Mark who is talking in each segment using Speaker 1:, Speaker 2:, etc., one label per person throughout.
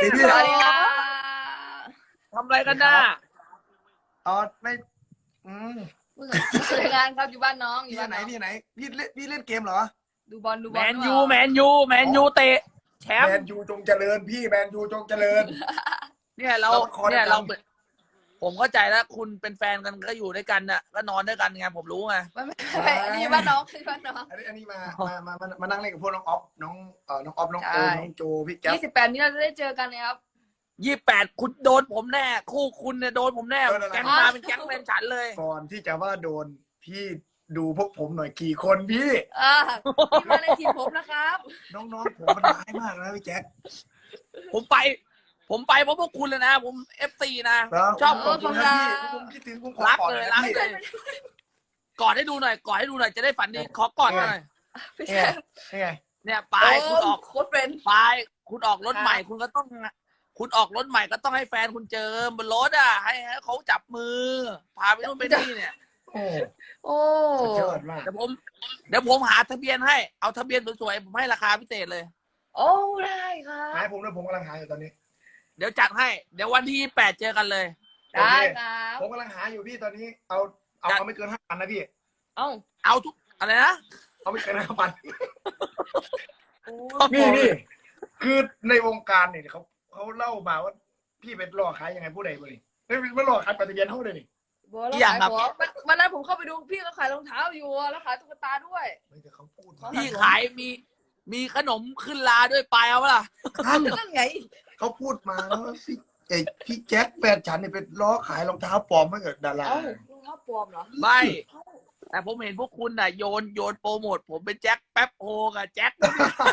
Speaker 1: ดีพี่
Speaker 2: สวัสดีค่ะ
Speaker 3: ทำอะไรกันน่ะ
Speaker 1: อ๋อไม่อืม
Speaker 2: ทำงานครับอยู่บ้านน้องอยู่
Speaker 1: พี่
Speaker 2: บ้าน
Speaker 1: ไหน
Speaker 2: น้อง
Speaker 1: พี่ไหนพี่เล่นเกมเหรอ
Speaker 2: ดูบอลดูบ
Speaker 3: แม
Speaker 2: อล
Speaker 3: นยูแมนยูเตะแช
Speaker 1: แม
Speaker 3: ม
Speaker 1: น
Speaker 3: ป์
Speaker 1: ยูจงเจริญพี่แมนยูจงเจริญ
Speaker 3: เนี่ยเรา
Speaker 1: เราคอ
Speaker 3: เนี่ย
Speaker 1: ดังๆ
Speaker 3: เราผมเข้าใจแล้วคุณเป็นแฟนกันก็อยู่ด้วยกันน่ะก็นอนด้วยกันไงผมรู้ไง
Speaker 2: ไม่นี่บ้านน้องคือบ้านน้อง
Speaker 1: อันนี้มานั่งเล่นกับพวกน้องออฟน้องน้องออฟน้องโอ
Speaker 2: ใช่
Speaker 1: น้องโจพี่แจ๊บ
Speaker 2: 28นี้เราจะได้เจอกันเลยครับ
Speaker 3: 28คุณโดนผมแน่คู่คุณเนี่ยโดนผมแน่
Speaker 1: โดนอะไร
Speaker 3: แก๊งมาเป็นแก๊งเป็นฉันเลย
Speaker 1: ก่อนที่จะว่าโดนพี่ดูพวกผมหน่อยกี่คนพี่
Speaker 2: พี่มาในทีมผมนะครับ
Speaker 1: น้องๆผมมันร้ายมากนะพี่แจ๊ค
Speaker 3: ผมไปเพราะพวกคุณเลยนะ ผมFC นะ
Speaker 1: แล้ว
Speaker 3: ชอบ
Speaker 1: ขอบคุณครับพี่ผมคิดถึงผมขอ
Speaker 3: รัก
Speaker 1: กอด
Speaker 3: เลย
Speaker 1: นะ
Speaker 3: รัก
Speaker 1: พี่
Speaker 3: เลยกอดให้ดูหน่อยจะได้ฝันดีขอกอดหน่อย
Speaker 2: พี่
Speaker 1: นี่
Speaker 2: แช
Speaker 1: ไง
Speaker 2: มป์
Speaker 1: นี่ไง
Speaker 3: เนี่ยปลายคุณออก
Speaker 2: โค้ชเป็น
Speaker 3: ปลายคุณออกรถใหม่คุณก็ต้อง คุณออกรถใหม่ก็ต้องให้แฟนคุณเจอบนรถอ่ะให้เขาจับมือ พาไปนู่นไปนี่เนี่ย
Speaker 1: โอ้
Speaker 2: โอ้
Speaker 1: สุดยอดมาก
Speaker 3: เดี๋ยวผมหาทะเบียนให้เอาทะเบียนสวยๆผมให้ราคาพิเศษเลย
Speaker 2: โอ้ได้ครับ
Speaker 1: หายผมด้วยผมกำลังหาอยู่ตอนนี้
Speaker 3: เดี๋ยวจัดให้เดี๋ยววันที่8เจอกันเลย
Speaker 2: ได้ครับ
Speaker 1: ผมกำลังหาอยู่พี่ตอนนี้เอาไม่เกิน5,000นะพี่
Speaker 2: เอ้า
Speaker 3: เอาทุกอะไรนะ
Speaker 1: เอาไม่เกิน5,000
Speaker 2: โอ้
Speaker 1: พี่คือในวงการเนี่ยเขาเล่ามาว่าพี่เป็นหลอกขายยังไงผู้ใดผู้หนึ่งไม่หลอกขายปฏิเบียนเท่าเลยนี่
Speaker 2: บัวแล้วขายของวันนั้นผมเข้าไปดูพี่ก็ขายรองเท้าอยู่แล้วขายตุ๊กตาด้วย
Speaker 1: ไม่แต่เขาพูด
Speaker 3: พี่ขายมีขนมขึ้นลาด้วยปลายเอาปะล่ะ
Speaker 2: นั่นไง
Speaker 1: เขาพูดมาแล้วว่าพี่แจ็คแฟนฉันเนี่ยเป็นล้อขายรองเท้าปลอมให้กับดารา
Speaker 2: เอ้ารองเท้าปลอมเหรอ
Speaker 3: ไม่ แต่ผมเห็นพวกคุณน่ะโยนโปรโมทผมเป็นแจ็คแป๊บโฮกับแจ็ค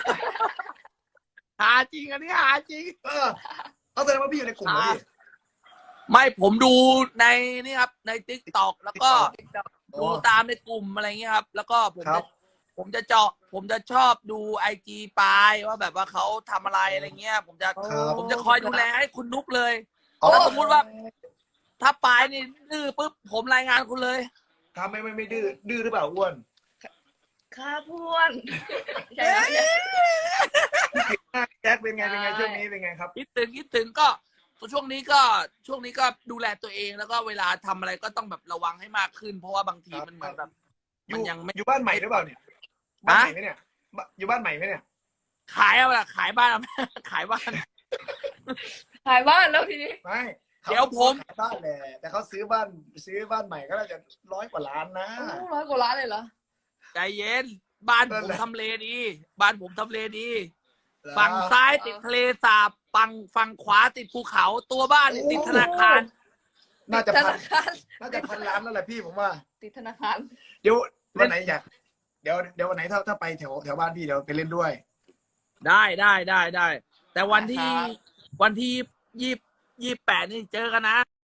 Speaker 3: หาจริงอันนี้หาจริง
Speaker 1: เอาแสดงว่าพี่อยู่ในกลุ่มเหรอพี่
Speaker 3: ไม่ผมดูในนี่ครับในทิกตอกแล้วก็
Speaker 1: อ๋อ
Speaker 3: ดูตามในกลุ่มอะไรเงี้ยครับ แล้วก็ผม
Speaker 1: ครั
Speaker 3: จะ
Speaker 1: บ
Speaker 3: ผมจะชอบดูIG ปายว่าแบบว่าเขาทำอะไรอะไรเงี้ย ผมจะคอยดูแลให้คุณนุกเลย
Speaker 1: อ๋อ
Speaker 3: ถ้าสมมติว่า ถ้าปายนี่ดื้อปุ๊บผมรายงานคุณเลย
Speaker 1: ทำไม่ดื้อหรือเปล่าอ้วน
Speaker 2: ข้าพวนใช่ไหม
Speaker 1: แจ็คเป็นไงช่วงนี้เป็นไงครับ
Speaker 3: คิดถึงก็ช่วงนี้ก็ดูแลตัวเองแล้วก็เวลาทำอะไรก็ต้องแบบระวังให้มากขึ้น เพราะว่าบางที
Speaker 1: ครับ
Speaker 3: มันเหมือนแบบ
Speaker 1: อ
Speaker 3: มัน
Speaker 1: ยู่
Speaker 3: ยังไม่
Speaker 1: อยู่บ้านใหม่หรือเปล่าเนี่ยบ้านใหม่ไหมเนี่ยอยู่บ้านใหม่ไหมเนี่ย
Speaker 3: ขายเอาล่ะขายบ้านเอา ขายบ้าน
Speaker 2: ขายบ้านแล้วทีนี้
Speaker 1: ไม่
Speaker 3: เดี๋ยวผม
Speaker 1: ขายบ้านแหละแต่เขาซื้อบ้านใหม่ก็น่าจะ100 กว่าล้านนะ
Speaker 2: 100 กว่าล้านเลยเหรอ
Speaker 3: ใจเย็นบ้าน
Speaker 1: นั่
Speaker 3: ผ
Speaker 1: น
Speaker 3: ม
Speaker 1: แหละ
Speaker 3: ทำเลดี บ้านผมทำเลดี ฝั่งซ้ายติดทะเลสาบฝั่งขวาติดภูเขาตัวบ้านนี่ติดธนาคาร
Speaker 1: น่าจะ
Speaker 2: ธ
Speaker 1: พัน
Speaker 2: นาคาร
Speaker 1: น่าจะ1,000 ล้านแล้วแหละพี่ผมว่า
Speaker 2: ติดธนาคาร
Speaker 1: เดี๋ยววันไหนอยากเดี๋ยววันไหนถ้าไปแถวบ้านพี่เดี๋ยวไปเล่นด้วย
Speaker 3: ได้ แต่วันที่28นี่เจอกันนะ